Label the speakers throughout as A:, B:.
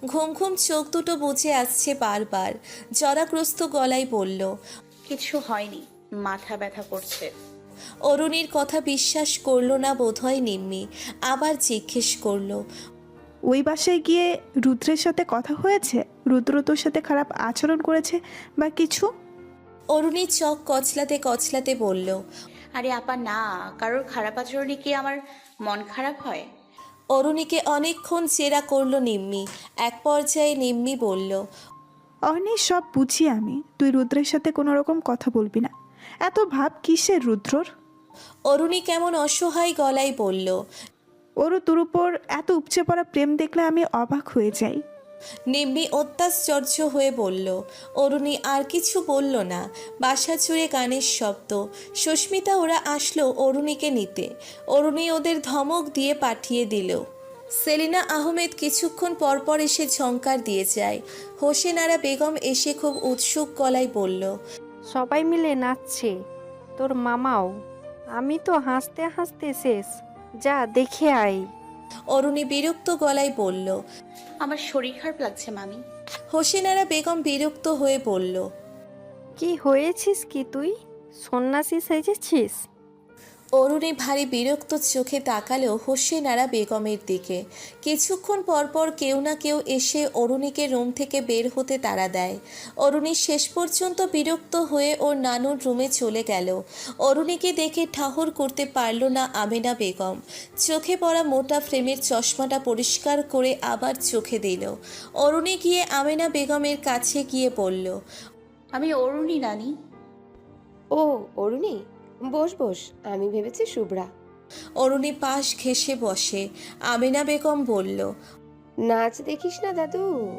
A: ঘুম ঘুম চোখ দুটো বুজে আসছে বারবার। জরাগ্রস্ত গলায় বলল,
B: কিছু হয়নি, মাথা ব্যথা করছে।
A: অরুণীর কথা বিশ্বাস করলো না বোধহয় নিম্মি। আবার জিজ্ঞেস করলো,
C: ওই বাসায় গিয়ে রুদ্রের সাথে কথা হয়েছে? রুদ্র তোর সাথে খারাপ আচরণ করেছে বা কিছু?
A: অরুণী চোখ কচলাতে কচলাতে বলল।
B: আরে আপা না, কারোর খারাপ আচরণে কি আমার মন খারাপ হয়?
A: অরুণীকে অনেকক্ষণ জেরা করলো নিম্মি। এক পর্যায়ে নিম্মি বলল,
C: অর্ণি, সব বুঝি আমি, তুই রুদ্রের সাথে কোনো রকম কথা বলবি না। এত ভাব কিসের রুদ্রর?
A: অরুণী কেমন অসহায় গলায় বলল।
C: ওরও তোর উপর এত উপচে পড়া প্রেম দেখলে আমি অবাক হয়ে যাই।
A: নিম্মি অত্যাশ্চর্য হয়ে বলল। অরুণী আর কিছু বলল না। বাসা জুড়ে গানের শব্দ। সুস্মিতা ওরা আসলো অরুণীকে নিতে। অরুণী ওদের ধমক দিয়ে পাঠিয়ে দিল। সেলিনা আহমেদ কিছুক্ষণ পরপর এসে ঝংকার দিয়ে যায়। হোসেন আরা বেগম এসে খুব উৎসুক গলায় বলল,
D: সবাই মিলে নাচছে, তোর মামাও। আমি তো হাসতে হাসতে শেষ, যা দেখে আয়।
A: অরুণী বিরক্ত গলায় বলল।
B: আমার শরীর খারাপ লাগছে মামি।
A: হোসেন আরা বেগম বিরক্ত হয়ে বলল,
D: কি হয়েছিস কি তুই, সন্ন্যাসী সেজেছিস?
A: অরুণী ভারী বিরক্ত চোখে তাকালো হোসেন আরা বেগমের দিকে। কিছুক্ষণ পরপর কেউ না কেউ এসে অরুণীকে রুম থেকে বের হতে তাড়া দেয়। অরুণী শেষ পর্যন্ত বিরক্ত হয়ে ওর নানুর রুমে চলে গেল। অরুণীকে দেখে ঠাহর করতে পারল না আমেনা বেগম। চোখে পড়া মোটা ফ্রেমের চশমাটা পরিষ্কার করে আবার চোখে দিল। অরুণী গিয়ে আমেনা বেগমের কাছে গিয়ে বলল,
B: আমি অরুণী নানি।
E: ও অরুণী, বস বস, আমি ভেবেছি শুভ্রা।
A: অরুণী পাশ ঘেঁষে বসে। আমেনা বেগম বলল,
E: নাচ দেখিস না দাদু?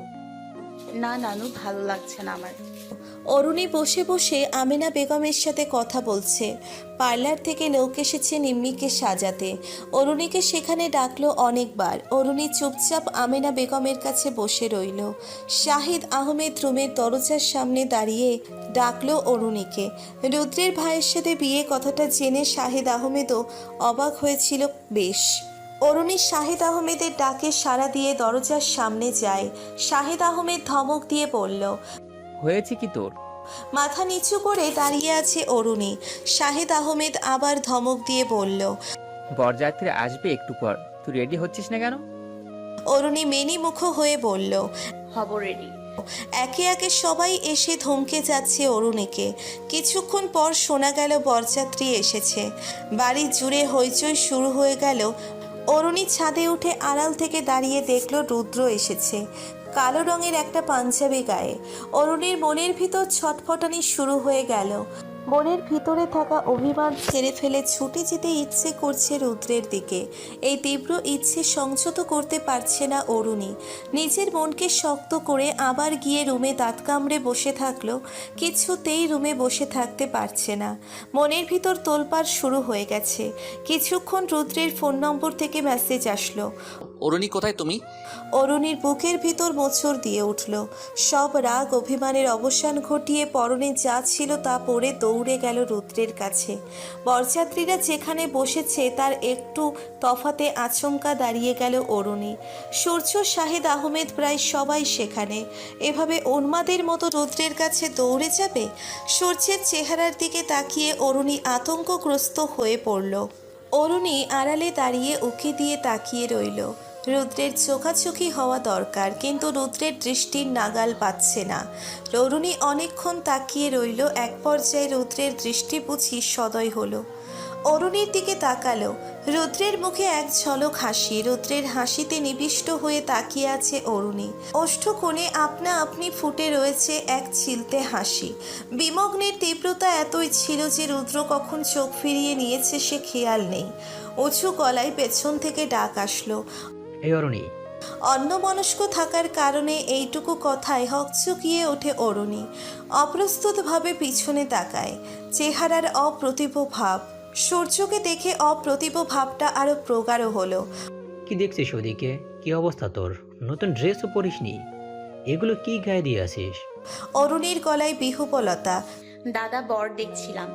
B: না নানু, ভালো লাগছে না আমার।
A: অরুণী বসে বসে আমেনা বেগমের সাথে কথা বলছে। পার্লার থেকে লোক এসেছে নিম্মিকে সাজাতে। অরুণীকে সেখানে ডাকলো অনেকবার। অরুণী চুপচাপ আমেনা বেগমের কাছে বসে রইল। শাহিদ আহমেদ রুমের দরজার সামনে দাঁড়িয়ে ডাকলো অরুণীকে। রুদ্রের ভাইয়ের সাথে বিয়ে কথাটা জেনে শাহিদ আহমেদও অবাক হয়েছিল বেশ। অরুণী শাহিদ আহমেদের ডাকে সাড়া দিয়ে দরজার সামনে যায়। শাহিদ আহমেদ ধমক দিয়ে বলল,
F: হয়েছে কি তোর?
A: মাথা নিচু করে দাঁড়িয়ে আছে অরুণী। শাহিদ আহমেদ আবার ধমক দিয়ে বলল,
F: বরযাত্রী আসবে একটু পর, তুই রেডি হচ্ছিস না কেন?
A: অরুণী মেনিমুখ হয়ে বলল।
B: হব রেডি।
A: একে একে সবাই এসে ধমকে যাচ্ছে অরুণীকে। কিছুক্ষণ পর শোনা গেল বরযাত্রী এসেছে। বাড়ি জুড়ে হইচই শুরু হয়ে গেল। অরুণী ছাদে উঠে আড়াল থেকে দাঁড়িয়ে দেখল রুদ্র এসেছে, কালো রঙের একটা পাঞ্জাবি গায়ে। অরুণীর মনের ভিতর ছটফটানি শুরু হয়ে গেল। মনের ভিতরে থাকা অভিমান ছেড়ে ফেলে ছুটে যেতে ইচ্ছে করছে রুদ্রের দিকে। এই তীব্র ইচ্ছে সংযত করতে পারছে না অরুণী। নিজের মনকে শক্ত করে আবার গিয়ে রুমে দাঁত কামড়ে বসে থাকলো। কিছুতেই রুমে বসে থাকতে পারছে না। মনের ভিতর তোলপাড় শুরু হয়ে গেছে। কিছুক্ষণ রুদ্রের ফোন নম্বর থেকে মেসেজ আসলো।
G: অরুণী, কোথায় তুমি?
A: অরুণীর বুকের ভিতর মোচড় দিয়ে উঠল। সব রাগ অভিমানের অবসান ঘটিয়ে পরনে যা ছিল তা পরে দৌড়ে গেল রুদ্রের কাছে। বরযাত্রীরা যেখানে বসেছে তার একটু তফাতে আচমকা দাঁড়িয়ে গেল অরুণী। সূর্য, শাহিদ আহমেদ প্রায় সবাই সেখানে। এভাবে উন্মাদের মতো রুদ্রের কাছে দৌড়ে যাবে? সূর্যের চেহারার দিকে তাকিয়ে অরুণী আতঙ্কগ্রস্ত হয়ে পড়ল। অরুণী আড়ালে দাঁড়িয়ে উকি দিয়ে তাকিয়ে রইল। রুদ্রের চোখাচোখি হওয়া দরকার, কিন্তু রুদ্রের দৃষ্টির নাগাল পাচ্ছে না। অরুণী অনেকক্ষণ তাকিয়ে রইল। এক পর্যায়ে রুদ্রের দৃষ্টি বুঝি সদয় হলো। অরুণীর দিকে তাকালো। রুদ্রের মুখে এক ঝলক হাসি। রুদ্রের হাসিতে নিবিষ্ট হয়ে তাকিয়ে আছে অরুণী। ওষ্ঠকোণে আপনা আপনি ফুটে রয়েছে এক চিলতে হাসি। বিমগ্নের তীব্রতা এতই ছিল যে রুদ্র কখন চোখ ফিরিয়ে নিয়েছে সে খেয়াল নেই। উঁচু গলায় পেছন থেকে ডাক আসলো।
F: এই অরুণী।
A: অন্যমনস্ক থাকার কারণে এইটুকু কথায় হকচকিয়ে ওঠে অরুণী। অপ্রস্তুতভাবে পিছনে তাকায়। চেহারার অপ্রতিভ ভাব। সূর্যকে দেখে অপ্রতিভ ভাবটা আরো প্রগাঢ় হলো।
H: কি দেখছিস ওদিকে? কি অবস্থা তোর? নতুন ড্রেসও পরিসনি, এগুলো কি গায়ে দিয়ে আসিস?
A: অরুণীর গলায় বিহুবলতা।
B: দাদা, বর দেখছিলাম।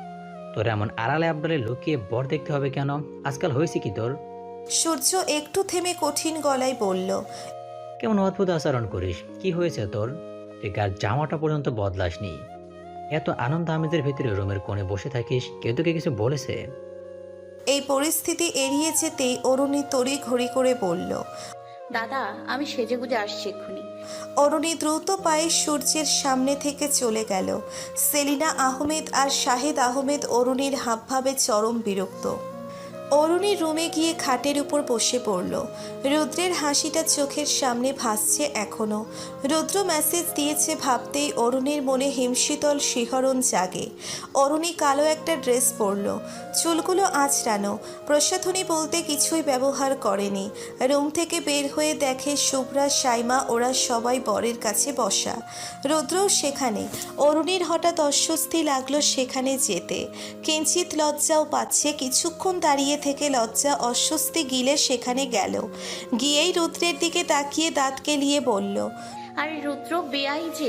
H: তোর এমন আড়ালে আবডালে লুকিয়ে বর দেখতে হবে কেন? আজকাল হয়েছে কি তোর?
A: সূর্য একটু থেমে কঠিন গলায় বলল,
H: কেমন অদ্ভুত আচরণ করিস, কি হয়েছে তোর? তুই গার জামাটা পর্যন্ত বদলাসনি। এত আনন্দ আমেজের ভিতরে রুমের কোণে বসে থাকিস, কেউ তোকে কিছু বলেছে?
A: এই পরিস্থিতি এড়িয়ে যেতেই অরুণী তড়ি ঘড়ি করে বলল।
B: দাদা আমি সেজেগুজে আসছি এক্ষুনি।
A: অরুণী দ্রুত পায়ে সূর্যের সামনে থেকে চলে গেল। সেলিনা আহমেদ আর শাহেদ আহমেদ অরুণীর হাবভাবে চরম বিরক্ত। অরুণী রুমে গিয়ে খাটের উপর বসে পড়ল। রুদ্রের হাসিটা চোখের সামনে ভাসছে এখনো। রুদ্র মেসেজ দিয়েছে ভাবতেই অরুণীর মনে হিমশীতল শিহরণ জাগে। অরুণী কালো একটা ড্রেস পরল, চুলগুলো আঁচড়ানো, প্রসাধনী বলতে কিছুই ব্যবহার করেনি। রুম থেকে বের হয়ে দেখে শুভ্রা, সাইমা ওরা সবাই বরের কাছে বসা। রুদ্রও সেখানে। অরুণীর হঠাৎ অস্বস্তি লাগলো সেখানে যেতে। কিঞ্চিত লজ্জাও পাচ্ছে। কিছুক্ষণ দাঁড়িয়ে থেকে লজ্জা অস্বস্তি গিলে সেখানে গেল। গিয়েই রুদ্রের দিকে তাকিয়ে দাঁত কেলিয়ে বলল।
B: আরে রুদ্র বেয়াই যে।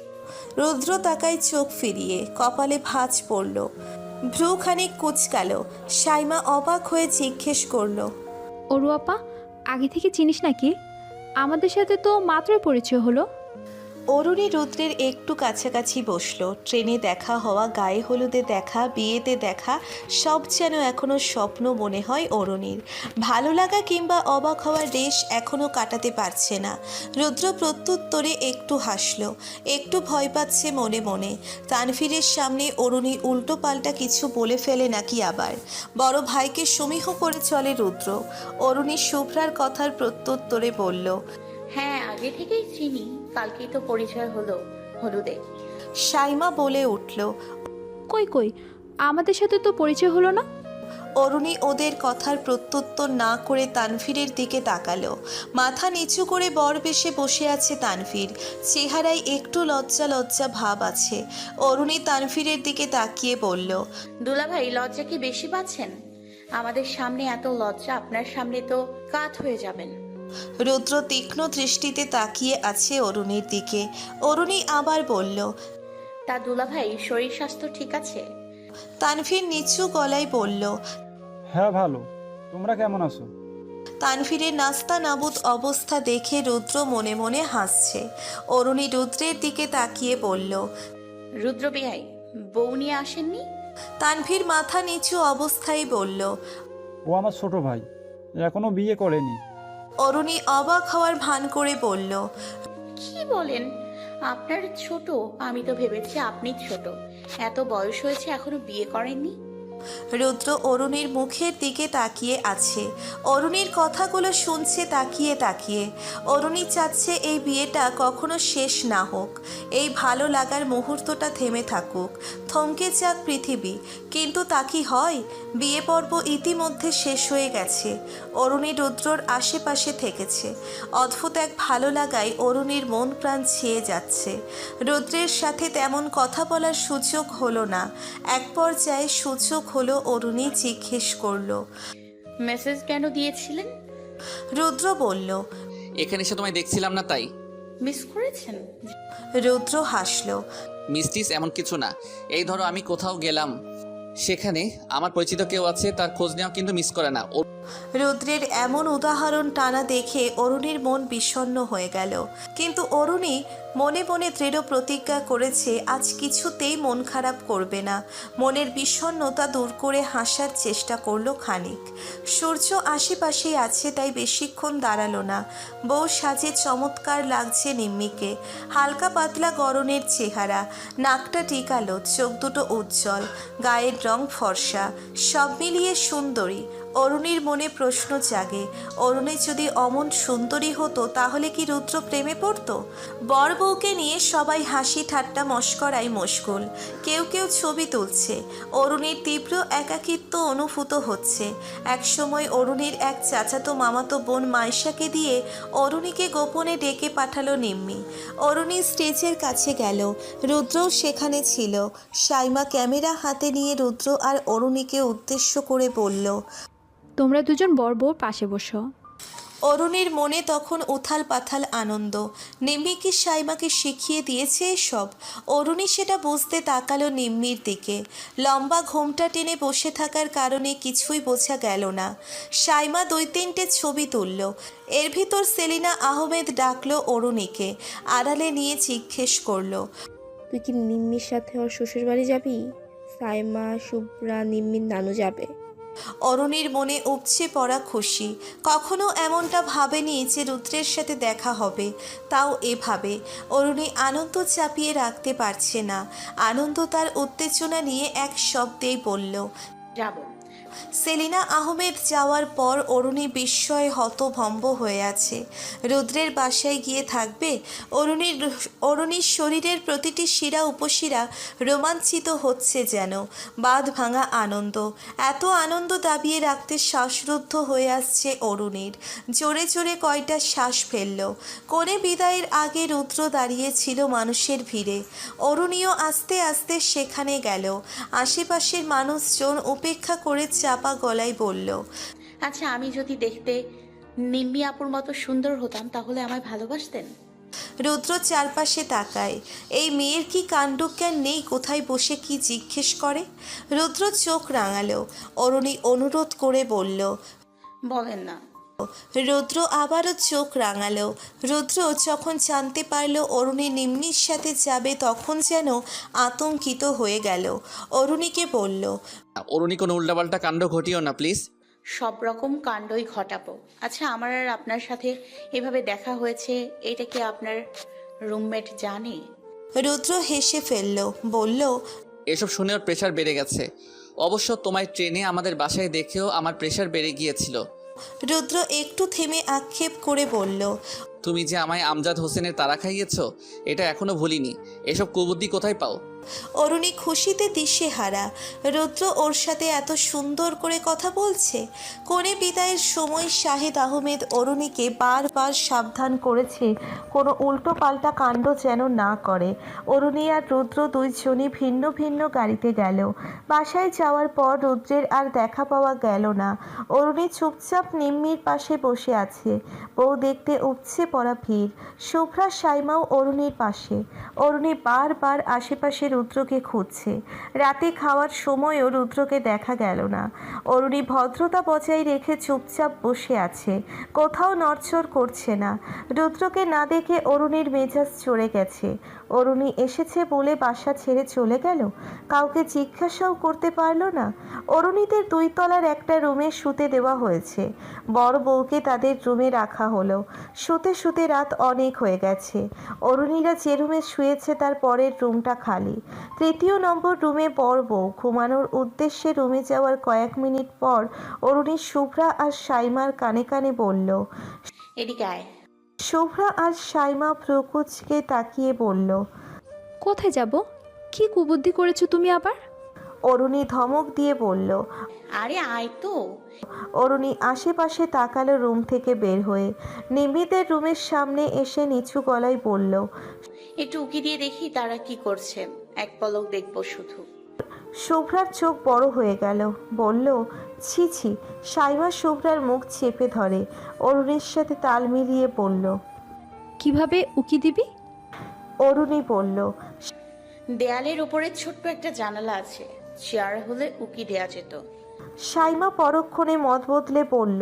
A: রুদ্র তাকায় চোখ ফিরিয়ে, কপালে ভাঁজ পড়ল, ভ্রু খানিক কুচকাল। সাইমা অবাক হয়ে জিজ্ঞেস করল।
G: অরু আপা, আগে থেকে চিনিস নাকি? আমাদের সাথে তো মাত্রই পরিচয় হলো।
A: অরুণী রুদ্রের একটু কাছাকাছি বসলো। ট্রেনে দেখা হওয়া, গায়ে হলুদে দেখা, বিয়েতে দেখা, সব যেন এখনও স্বপ্ন মনে হয় অরুণীর। ভালো লাগা কিংবা অবাক হওয়ার রেশ এখনও কাটাতে পারছে না। রুদ্র প্রত্যুত্তরে একটু হাসলো, একটু ভয় পাচ্ছে মনে মনে। তানভীরের সামনে অরুণী উল্টো পাল্টা কিছু বলে ফেলে নাকি আবার। বড় ভাইকে সমীহ করে চলে রুদ্র। অরুণী শুভ্রার কথার প্রত্যুত্তরে বলল।
B: হ্যাঁ আগে থেকেই চিনি, কালকেই তো পরিচয় হলো হলুদে।
A: সাইমা বলে উঠল।
G: কই কই, আমাদের সাথে তো পরিচয় হলো না।
A: অরুণী ওদের কথার প্রত্যুত্তর না করে তানভীরের দিকে তাকালো। মাথা নিচু করে বর বেশে বসে আছে তানভীর। চেহারায় একটু লজ্জা লজ্জা ভাব আছে। অরুণী তানভীরের দিকে তাকিয়ে বলল।
B: দুলাভাই লজ্জা কি বেশি পাচ্ছেন? আমাদের সামনে এত লজ্জা, আপনার সামনে তো কাত হয়ে যাবেন।
A: রুদ্র তীক্ষ্ণ দৃষ্টিতে তাকিয়ে আছে অরুণীর দিকে। অরুণী আবার বলল।
B: তা দুলাভাই শরীর স্বাস্থ্য ঠিক আছে?
A: তানভীর নিচু গলায় বলল।
I: হ্যাঁ ভালো, তোমরা কেমন আছো?
A: তানভীরের নাস্তা নাবুদ অবস্থা দেখে রুদ্র মনে মনে হাসছে। অরুণী রুদ্রের দিকে তাকিয়ে বলল।
B: রুদ্র বেয়াই বউ নিয়ে আসেননি?
A: তানভীর মাথা নিচু অবস্থায় বলল।
I: ও আমার ছোট ভাই, এখনো বিয়ে করেনি।
A: অরুণী অবাক হওয়ার ভান করে বলল।
B: কি বলেন? আপনার ছোট? আমি তো ভেবেছি আপনি ছোট। এত বয়স হয়েছে এখনো বিয়ে করেননি?
A: রুদ্র অরুণীর মুখের দিকে তাকিয়ে আছে। অরুণীর কথাগুলো শুনছে তাকিয়ে তাকিয়ে। অরুণী চাচ্ছে এই বিয়েটা কখনো শেষ না হোক, এই ভালো লাগার মুহূর্তটা থেমে থাকুক, থমকে যাক পৃথিবী। কিন্তু তা কি হয়? বিয়ে পর্ব ইতিমধ্যে শেষ হয়ে গেছে। অরুণী রুদ্রর আশেপাশে থেকেছে। অদ্ভুত এক ভালো লাগায় অরুণীর মন প্রাণ ছেয়ে যাচ্ছে। রুদ্রের সাথে তেমন কথা বলার সুযোগ হলো না। এক পর্যায়ে সুযোগ হলো। অরুণী জিজ্ঞেস করলো।
B: মেসেজ কেন দিয়েছিলেন?
A: রুদ্র বলল।
J: এখানে এসে তোমায় দেখছিলাম না তাই।
B: মিস করেছেন?
A: রুদ্র হাসলো।
J: মিস্টিস এমন কিছু না। এই ধরো আমি কোথাও গেলাম, সেখানে আমার পরিচিত কেউ আছে, তার খোঁজ নেওয়া কিন্তু মিস করে না।
A: রুদ্রের এমন উদাহরণ টানা দেখে অরুণীর মন বিষণ্ণ হয়ে গেল। কিন্তু অরুণী মনে মনে দৃঢ় প্রতিজ্ঞা করেছে আজ কিছুতেই মন খারাপ করবে না। মনের বিষণ্ণতা দূর করে হাসার চেষ্টা করলো খানিক। সূর্য আশেপাশেই আছে তাই বেশিক্ষণ দাঁড়ালো না। বউ সাজে চমৎকার লাগছে নিম্মিকে। হালকা পাতলা গরনের চেহারা, নাকটা টিকালো, চোখ দুটো উজ্জ্বল, গায়ের রং ফর্সা, সব মিলিয়ে সুন্দরী। অরুণীর মনে প্রশ্ন জাগে, অরুণী যদি অমন সুন্দরী হতো তাহলে কি রুদ্র প্রেমে পড়তো? বর বউকে নিয়ে সবাই হাসি ঠাট্টা মশকরায় মশগুল। কেউ কেউ ছবি তুলছে। অরুণীর তীব্র একাকিত্ব অনুভূত হচ্ছে। একসময় অরুণীর এক চাচাতো মামাতো বোন মাইশাকে দিয়ে অরুণীকে গোপনে ডেকে পাঠালো নিম্মি। অরুণী স্টেজের কাছে গেল। রুদ্রও সেখানে ছিল। সাইমা ক্যামেরা হাতে নিয়ে রুদ্র আর অরুণীকে উদ্দেশ্য করে বলল।
G: তোমরা দুজন বর বউর পাশে বসো।
A: অরুণীর মনে তখন উথাল পাথাল আনন্দ। নিম্মি কি সাইমাকে শিখিয়ে দিয়েছে এসব? অরুণী সেটা বুঝতে তাকালো নিম্মির দিকে। লম্বা ঘোমটা টেনে বসে থাকার কারণে কিছুই বোঝা গেল না। সাইমা 2-3টে ছবি তুলল। এর ভিতর সেলিনা আহমেদ ডাকলো অরুণীকে, আড়ালে নিয়ে জিজ্ঞেস করলো,
K: তুই কি নিম্মির সাথে ওর শ্বশুর বাড়ি যাবি? সাইমা, শুভ্রা, নিম্মির নানু যাবে।
A: অরুণীর মনে উপচে পড়া খুশি। কখনো এমনটা ভাবেনি যে রুদ্রের সাথে দেখা হবে, তাও এভাবে। অরুণী আনন্দ চাপিয়ে রাখতে পারছে না। আনন্দ তার উত্তেজনা নিয়ে এক শব্দেই বলল,
B: যাব।
A: সেলিনা আহমেদ যাওয়ার পর অরুণী বিস্ময়ে হতভম্ব হয়ে আছে। রুদ্রের বাসায় গিয়ে থাকবে? অরুণীর শরীরের প্রতিটি শিরা উপশিরা রোমাঞ্চিত হচ্ছে যেন। বাঁধ ভাঙা আনন্দ। এত আনন্দ দাবিয়ে রাখতে শ্বাসরুদ্ধ হয়ে আসছে অরুণীর। জোরে জোরে কয়টা শ্বাস ফেলল। কোণে বিদায়ের আগে রুদ্র দাঁড়িয়েছিল মানুষের ভিড়ে। অরুণীও আস্তে আস্তে সেখানে গেল। আশেপাশের মানুষজন উপেক্ষা করে চাপা গলায় বলল,
B: আচ্ছা, আমি যদি দেখতে নিম্মি আপুর মতো সুন্দর হতাম তাহলে আমায় ভালোবাসতেন?
A: রুদ্র চারপাশে তাকায়। এই মেয়ের কি কাণ্ডজ্ঞান নেই? কোথায় বসে কি জিজ্ঞেস করে? রুদ্র চোখ রাঙালো। অরুণী অনুরোধ করে বলল,
B: বলেন না।
A: রুদ্র আবারও চোখ রাঙালো। রুদ্র যখন জানতে পারল অরুণী নিম্মির সাথে যাবে তখন যেন আতঙ্কিত হয়ে গেল। অরুণীকে বলল,
J: অরুণী কোনো উল্টাপাল্টা কাণ্ড ঘটিও না প্লিজ।
B: সব রকম কাণ্ডই ঘটাবো। আচ্ছা, আমার আর আপনার সাথে এভাবে দেখা হয়েছে, এটা কি আপনার রুমমেট জানে?
A: রুদ্র হেসে ফেলল, বলল,
J: এসব শুনে ওর প্রেশার বেড়ে গেছে। অবশ্য তোমায় ট্রেনে আমাদের বাসায় দেখেও আমার প্রেশার বেড়ে গিয়েছিল।
A: রুদ্র একটু থেমে আক্ষেপ করে বলল,
J: তুমি যে আমায় আমজাদ হোসেনের তারা খাইয়েছো, এটা এখনো ভুলিনি। এসব কুবুদ্ধি কোথায় পাও?
A: অরুণী খুশিতে দিশেহারা। রুদ্র ওর সাথে এত সুন্দর করে কথা বলছে। কোণে বিদায়ের সময় শাহিদ আহমেদ অরুণীকে বারবার সাবধান করেছে কোনো উল্টো পাল্টা কাণ্ড যেন না করে। অরুণী আর রুদ্র দুইজনই ভিন্ন ভিন্ন গাড়িতে গেল। বাসায় যাওয়ার পর রুদ্রের আর দেখা পাওয়া গেল না। অরুণী চুপচাপ নিম্মির পাশে বসে আছে। বউ দেখতে উপচে পড়া ভিড়। শুভ্রা, সাইমাও অরুণীর পাশে। অরুণী বারবার আশেপাশে রুদ্রকে খুঁজছে। রাতে খাওয়ার সময়ও রুদ্রকে দেখা গেল না। অরুণী ভদ্রতা বজায় রেখে চুপচাপ বসে আছে, কোথাও নড়চড় করছে না। রুদ্রকে না দেখে অরুণীর মেজাজ চড়ে গেছে। অরুণী এসেছে বলে বাসা ছেড়ে চলে গেল, কাউকে জিজ্ঞাসাও করতে পারলো না। অরুণীদের 2 তলার একটা রুমে শুতে দেওয়া হয়েছে। বড় বউকে তাদের রুমে রাখা হলো। শুতে শুতে রাত অনেক হয়ে গেছে। অরুণীরা যে রুমে শুয়েছে তার পরের রুমটা খালি। 3 নম্বর রুমে বড় বউ ঘুমানোর উদ্দেশ্যে রুমে যাওয়ার কয়েক মিনিট পর অরুণী শুভ্রা আর সাইমার কানে কানে বলল,
B: এদিকে আয়।
A: শুভ্রা আর সাইমা প্রকুচকে তাকিয়ে বলল,
G: কোথায় যাব? কি কুবুদ্ধি করেছো তুমি আবার?
A: অরুণী ধমক দিয়ে বলল।
B: আরে আয় তো।
A: অরুণী আশেপাশে তাকালো রুম থেকে বের হয়ে। নিম্মিদের রুমের সামনে এসে নিচু গলায় বলল,
B: একটু উকি দিয়ে দেখি তারা কি করছে, এক পলক দেখবো শুধু।
A: শুভ্রার চোখ বড় হয়ে গেল, বলল, ছি ছি। সাইমা শুভ্রার মুখ চেপে ধরে। অরুণীর সাথে তাল মিলিয়ে বলল,
G: কিভাবে উকি দিবি?
A: অরুণী বলল,
B: দেয়ালের উপরে ছোট্ট একটা জানালা আছে, চেয়ার হলে উকি দেয়া যেত।
A: সাইমা পরক্ষণে মত বদলে বলল,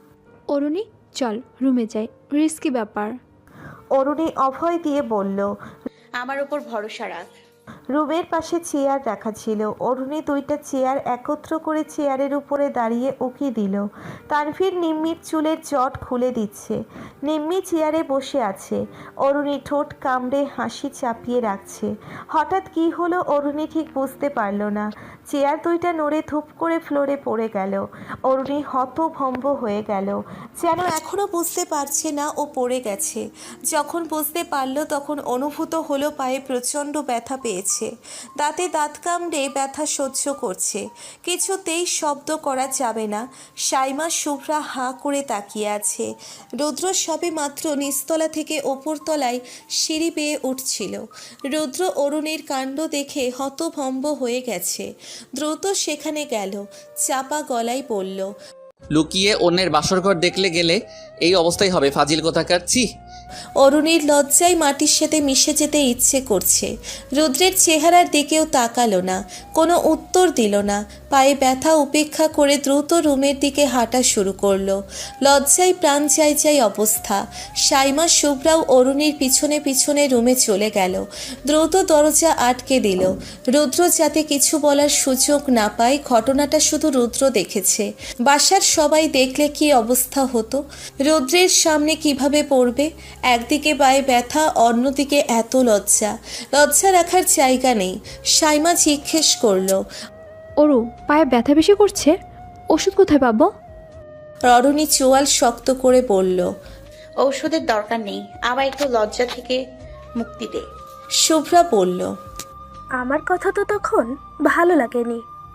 G: অরুণী, চল রুমে যাই, রিস্কি ব্যাপার।
A: অরুণী অভয় দিয়ে বলল,
B: আমার উপর ভরসা রাখ।
A: রুমের পাশে চেয়ার রাখা ছিল। অরুণী 2টা চেয়ার একত্র করে চেয়ারের উপরে দাঁড়িয়ে উকি দিল। তানভীর নিম্মির চুলের জট খুলে দিচ্ছে। নিম্মি চেয়ারে বসে আছে। অরুণী ঠোঁট কামড়ে হাসি চাপিয়ে রাখছে। হঠাৎ কি হলো অরুণী ঠিক বুঝতে পারল না। চেয়ার 2টা নড়ে ধূপ করে ফ্লোরে পড়ে গেল। অরুণী হতভম্ব হয়ে গেল, যেন এখনও বুঝতে পারছে না ও পড়ে গেছে। যখন বুঝতে পারল তখন অনুভূত হলো পায়ে প্রচণ্ড ব্যথা পেয়েছে। দাঁতে দাঁত কামড়ে ব্যথা সহ্য করছে। কিছুতেই শব্দ করা যাবে না। সাইমা শুভ্রা হাঁ করে তাকিয়ে আছে। রুদ্র সবে মাত্র নিচতলা থেকে ওপরতলায় সিঁড়ি বেয়ে উঠছিল। রুদ্র অরুণীর কাণ্ড দেখে হতভম্ব হয়ে গেছে। দ্রুত সেখানে গেল, চাপা গলায় বলল,
J: লুকিয়ে অন্যের বাসরঘর দেখলে গেলে এই অবস্থাই হবে, ফাজিল কোথাকার। ছি।
A: অরুণীর লজ্জায় মাটির সাথে মিশে যেতে ইচ্ছে করছে। রুদ্রের চেহারার দিকেও তাকালো না, কোনো উত্তর দিল না। পায়ে ব্যথা উপেক্ষা করে দ্রুত রুমের দিকে হাঁটা শুরু করলো। লজ্জায় প্রাণ চাই চাই অবস্থা। সাইমা শুভ্রাও অরুণীর পিছনে পিছনে রুমে চলে গেল। দ্রুত দরজা আটকে দিল। রুদ্র যাতে কিছু বলার সুযোগ না পায়, ঘটনাটা শুধু রুদ্র দেখেছে। বাসার সবাই দেখলে কি অবস্থা হতো? রুদ্রের সামনে কিভাবে পড়বে? একদিকে পায়ে ব্যথা, অন্যদিকে এত লজ্জা। লজ্জা রাখার জায়গা নেই। সাইমা জিজ্ঞেস করলো,
G: ওরু পায়ে ব্যথা বেশি করছে, ওষুধ কোথায় পাবো?
A: অরুণী চোয়াল শক্ত করে বলল।
B: ঔষধের দরকার নেই, আবার একটু লজ্জা থেকে মুক্তি দে।
A: শুভ্রা বলল,
K: আমার কথা তো তখন ভালো লাগেনি।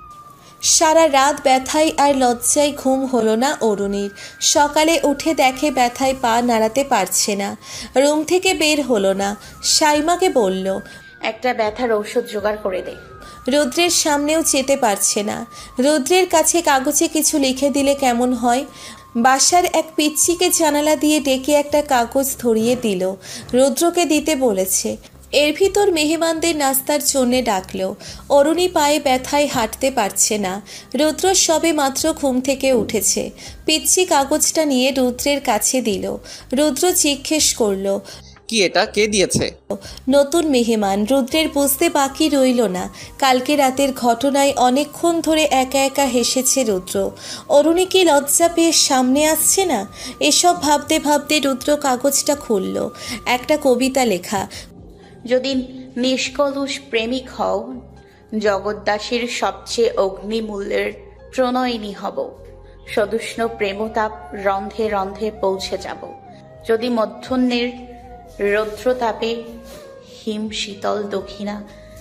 A: সারা রাত ব্যথায় আর লজ্জায় ঘুম হলো না অরুণীর। সকালে উঠে দেখে ব্যথায় পা নাড়াতে পারছে না। রুম থেকে বের হলো না। সাইমাকে বলল,
B: একটা ব্যথার ঔষধ জোগাড় করে দে।
A: রুদ্রের সামনেও যেতে পারছে না। রুদ্রের কাছে কাগজে কিছু লিখে দিলে কেমন হয়? বাসার এক পিচ্চিকে জানালা দিয়ে ডেকে একটা কাগজ ধরিয়ে দিল। রুদ্রকে দিতে বলেছে। এর ভিতর মেহমানদের নাস্তার জন্যে ডাকলো। অরুণী পায়ে ব্যথায় হাঁটতে পারছে না। রুদ্র সবে মাত্র ঘুম থেকে উঠেছে। পিচ্চি কাগজটা নিয়ে রুদ্রের কাছে দিল। রুদ্র জিজ্ঞেস করলো,
J: কি এটা, কে দিয়েছে?
A: নতুন মেহমান। রুদ্রের বুঝতে বাকি রইল না। কালকে রাতের ঘটনায় অনেকক্ষণ ধরে একা একা হেসেছে রুদ্র। অরুণী কি লজ্জা পেয়ে সামনে আসছে না? এসব ভাবতে ভাবতে রুদ্র কাগজটা খুলল। একটা কবিতা লেখা।
B: যদি নিষ্কলুষ প্রেমিক হও, জগদ্দাসীর সবচেয়ে অগ্নিমূল্যের প্রণয়িনী হব। সদুষ্ণ প্রেমতাপ রন্ধে রন্ধে পৌঁছে যাব। যদি মধ্যাহ্নের রৌদ্রতাপে হিম শীতল দক্ষিণা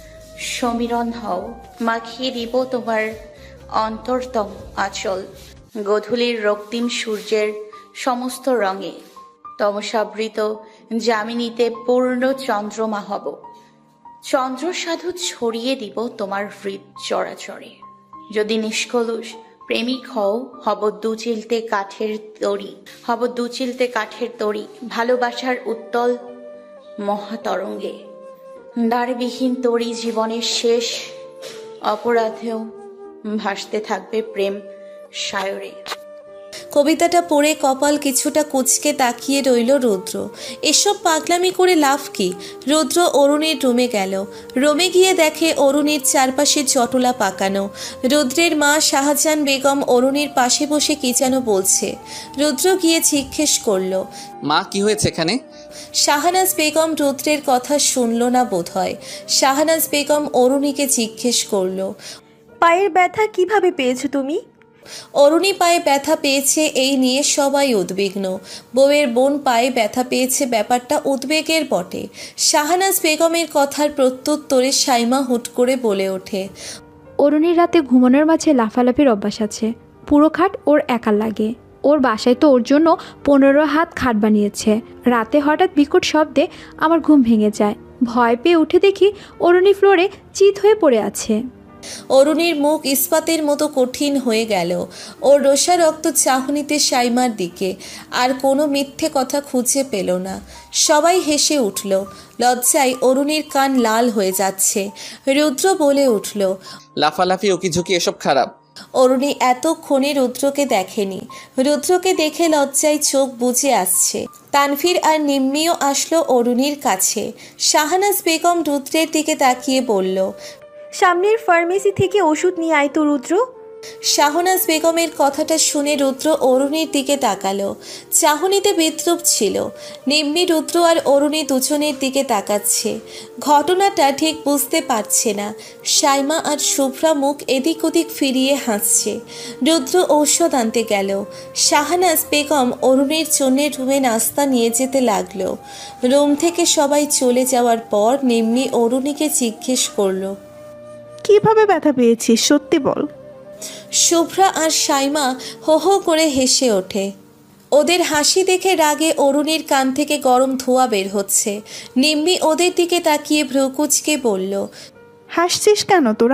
B: সমীরণ হও, মাখিয়ে দিব তোমার অন্তরতম আঁচল। গধূলির রক্তিম সূর্যের সমস্ত রঙে তমসাবৃত যামিনীতে পূর্ণ চন্দ্রমা হব। চন্দ্র সাধু ছড়িয়ে দিব তোমার হৃদ চরাচরে। যদি নিষ্কলুষ প্রেমিক হও, হব দুচিলতে কাঠের তরি। হব দুচিলতে কাঠের তরি, ভালোবাসার উত্তল মহাতরঙ্গে। দ্বারবিহীন তরি জীবনের শেষ অপরাধেও ভাসতে থাকবে প্রেম সায়রে।
A: কবিতাটা পড়ে কপাল কিছুটা কুঁচকে তাকিয়ে রইল রুদ্র। এসব পাগলামি করে লাভ কি? রুদ্র অরুণীর রুমে গেল। রুমে গিয়ে দেখে অরুণীর চারপাশে জটলা পাকানো। রুদ্রের মা শাহজাহান বেগম অরুণীর পাশে বসে কি যেন বলছে। রুদ্র গিয়ে জিজ্ঞেস করলো,
J: মা, কি হয়েছে এখানে?
A: শাহনাজ বেগম রুদ্রের কথা শুনল না বোধহয়। শাহনাজ বেগম অরুণীকে জিজ্ঞেস করলো,
K: পায়ের ব্যথা কিভাবে পেয়েছো তুমি?
A: অরুণী পায়ে ব্যথা পেয়েছে এই নিয়ে সবাই উদ্বিগ্ন। বউয়ের বোন পায়ে ব্যথা পেয়েছে, ব্যাপারটা উদ্বেগের বটে। শাহনাজ বেগমের কথার প্রত্যুত্তরে সাইমা হুট করে বলে ওঠে,
G: অরুণীর রাতে ঘুমানোর মাঝে লাফালাফির অভ্যাস আছে। পুরো খাট ওর একার লাগে। ওর বাসায় তো ওর জন্য 15 হাত খাট বানিয়েছে। রাতে হঠাৎ বিকট শব্দে আমার ঘুম ভেঙে যায়। ভয় পেয়ে উঠে দেখি অরুণী ফ্লোরে চিত হয়ে পড়ে আছে।
A: অরুণীর মুখ ইস্পাতের মতো কঠিন হয়ে গেল। ওর রোষারক্ত চাহনিতে সাইমার দিকে। আর কোনো মিথ্যে কথা খুঁজে পেল না। সবাই হেসে উঠল। লজ্জায় অরুণীর কান লাল হয়ে যাচ্ছে। রুদ্র বলে উঠল,
J: লাফালাফি ওকিঝুঁকি এসব খারাপ।
A: অরুণী এতক্ষণে রুদ্রকে দেখেনি। রুদ্রকে দেখে লজ্জায় চোখ বুজে আসছে। তানভীর আর নিম্মিও আসলো অরুণীর কাছে। শাহনাজ বেগম রুদ্রের দিকে তাকিয়ে বলল,
K: সামনের ফার্মেসি থেকে ওষুধ নিয়ে আয় তো রুদ্র।
A: শাহনাজ বেগমের কথাটা শুনে রুদ্র অরুণীর দিকে তাকালো। চাহনিতে বিদ্রুপ ছিল। নিম্মি, রুদ্র আর অরুণী দুজনের দিকে তাকাচ্ছে। ঘটনাটা ঠিক বুঝতে পারছে না। সাইমা আর শুভ্রা মুখ এদিক ওদিক ফিরিয়ে হাসছে। রুদ্র ঔষধ আনতে গেল। শাহনাজ বেগম অরুণীর জন্য রুমে নাস্তা নিয়ে যেতে লাগলো। রুম থেকে সবাই চলে যাওয়ার পর নিম্মি অরুণীকে জিজ্ঞেস করলো,
C: কিভাবে ব্যথা পেয়েছিস সত্যি বল।
A: শুভ্রা আর সাইমা হো হো করে হেসে ওঠে। ওদের হাসি দেখে রাগে অরুণীর কান থেকে গরম ধোঁয়া বের হচ্ছে। নিম্মি ওদের দিকে তাকিয়ে ভ্রুকুচকে বলল,
C: হাসছিস কেন তোরা?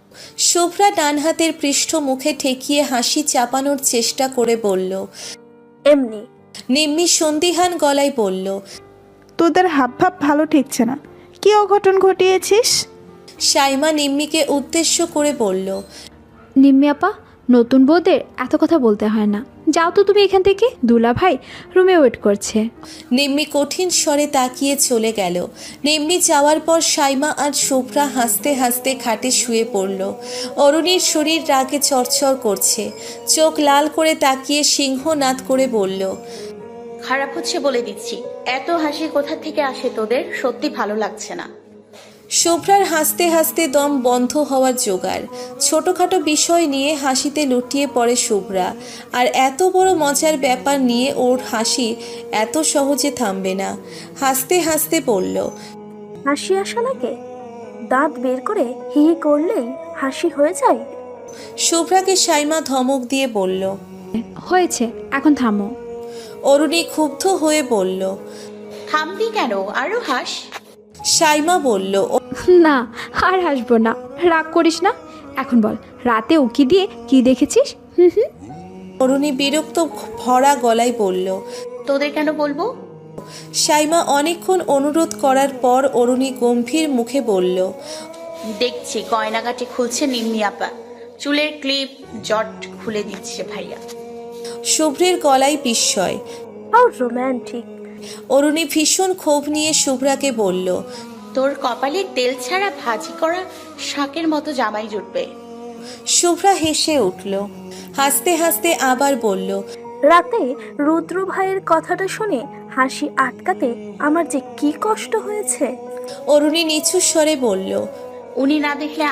A: শুভ্রা ডান হাতের পৃষ্ঠ মুখে ঠেকিয়ে হাসি চাপানোর চেষ্টা করে বলল।
K: এমনি।
A: নিম্মি সন্দিহান গলায় বলল।
C: তোদের হাবভাব ভালো ঠেকছে না, কি অঘটন ঘটিয়েছিস?
A: সাইমা নিম্মিকে উদ্দেশ্য করে বলল।
G: নিম্মি আপা, নতুন বউদের এত কথা বলতে হয় না, যাও তো তুমি এখান থেকে, দুলা ভাই রুমে ওয়েট করছে।
A: নিম্মি কঠিন স্বরে তাকিয়ে চলে গেল। নিম্মি যাওয়ার পর সাইমা আর শুভ্রা হাসতে হাসতে খাটে শুয়ে পড়ল। অরুণীর শরীর রাগে চরচর করছে, চোখ লাল করে তাকিয়ে সিংহনাদ করে বলল।
B: খারাপ হচ্ছে বলে দিচ্ছি, এত হাসি কোথা থেকে আসে তোদের? সত্যি ভালো লাগছে না।
A: শুভ্রার হাসতে হাসতে দম বন্ধ হওয়ার জোগাড়। ছোটখাটো বিষয় নিয়ে হাসিতে লুটিয়ে পড়ে শুভ্রা, আর এত বড় মজার ব্যাপার নিয়ে ওর হাসি এত সহজে থামবে না। হাসতে হাসতে বলল।
K: হাসি আসা লাগে? দাঁত বের করে হি হি করলেই হাসি হয়ে যায়?
A: শুভ্রাকে সাইমা ধমক দিয়ে বলল।
G: হয়েছে, এখন থামো।
A: অরুণী ক্ষুব্ধ হয়ে বলল।
B: থামবি কেন? আরো হাস।
A: সাইমা বলল।
G: না, আর হাসবো না, রাগ করিস না। এখন বল, রাতে উকি দিয়ে কি দেখেছিস? হুম।
A: অরুণী বিরক্ত ভরা গলায় বলল।
B: তোদের কেন বলবো?
A: সাইমা অনেকক্ষণ অনুরোধ করার পর অরুণী গম্ভীর মুখে বলল।
B: দেখছি গয়নাগাটি খুলছে নিম্মি আপা, চুলের ক্লিপ জট খুলে দিচ্ছে ভাইয়া।
A: শুভ্রের গলায় বিস্ময়।
K: How romantic.
A: অরুণী ভীষণ ক্ষোভ নিয়ে শুভ্রাকে বলল।
B: তোর কপালে তেল ছাড়া ভাজি করা শাকের মতো জামাই জুটবে।
A: শুভ্রা হেসে উঠল। হাসতে হাসতে আবার বলল।
K: রাতে রুদ্র ভাইয়ের কথাটা শুনে হাসি আটকাতে আমার যে কি কষ্ট হয়েছে।
A: অরুণী নিচু স্বরে বলল।
B: উনি না দেখলে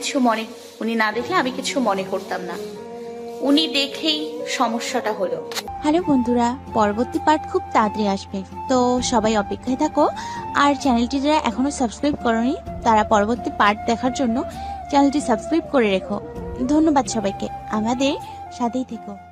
B: আমি কিছু মনে করতাম না, উনি দেখেই সমস্যাটা হলো।
L: হ্যালো বন্ধুরা, পরবর্তী পার্ট খুব তাড়াতাড়ি আসবে, তো সবাই অপেক্ষায় থাকো। আর চ্যানেলটি যারা এখনো সাবস্ক্রাইব করোনি তারা পরবর্তী পার্ট দেখার জন্য চ্যানেলটি সাবস্ক্রাইব করে রেখো। ধন্যবাদ সবাইকে, আমাদের সাথেই থেকো।